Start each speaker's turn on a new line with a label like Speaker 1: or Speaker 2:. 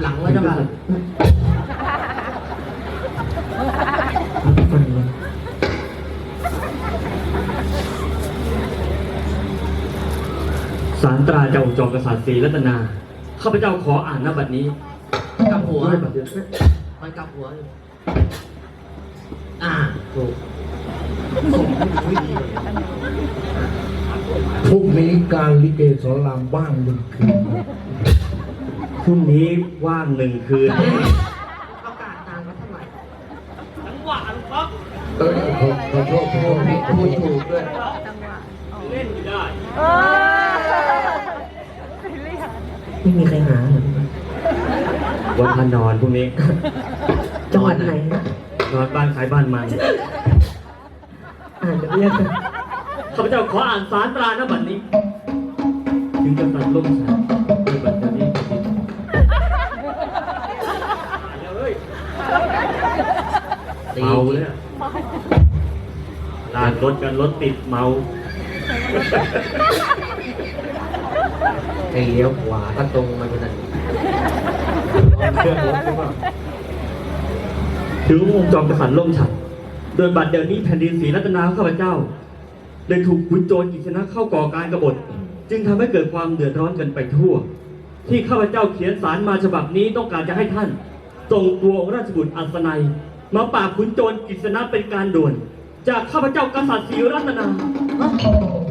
Speaker 1: หลังไว้เจ้าค่ะ
Speaker 2: สารตราเจ้าจอมกษัตริย์ศรีรัตนาข้าพเจ้าขออ่านณบัดนี้
Speaker 1: กับหัว
Speaker 2: ด้วยบัดเดียว
Speaker 1: มันกับหัวอยู่ถูก
Speaker 3: พรุ่งนี้การลิเกสอนรามว่างหนึ่งคืน
Speaker 2: พรุ่งนี้ว่าง1 คืน
Speaker 1: ประกาศนานว่าเท่าไหร่
Speaker 3: ขอโทษ
Speaker 1: พูดถูกด้วย
Speaker 2: เล่นไม่ได้
Speaker 4: ไม่มีใครหาเหรอ
Speaker 2: วันพานอนพรุ่งนี้
Speaker 4: จังหวัดไหน
Speaker 2: นอนบ้านใครบ้านมัน
Speaker 4: อ่านจะเรียกกัน
Speaker 2: ข้าพเจ้าขออ่านสารตราณบัดนี้ ถึงกษัตริย์ล่มฉันด้วยบัดนี้เมาเลยอะลากรถกันรถติดเมา
Speaker 1: ไอ้เลี้ยวขวาถ้าตรงมันจะนั่น
Speaker 2: ถึงองค์จอมกษัตริย์ล่มฉันโดยบัดเดี๋ยวนี้แผ่นดินศรีรัตนาข้าพเจ้าได้ถูกขุนโจรกิษณะเข้าก่อการกบฏจึงทำให้เกิดความเดือดร้อนกันไปทั่ว ที่ข้าพเจ้าเขียนสารมาฉบับนี้ต้องการจะให้ท่านส่งตัวองค์ราชบุตรอัศนัยมาปราบขุนโจรกิษณะเป็นการด่วน จากข้าพเจ้ากษัตริย์ศรีรัตนา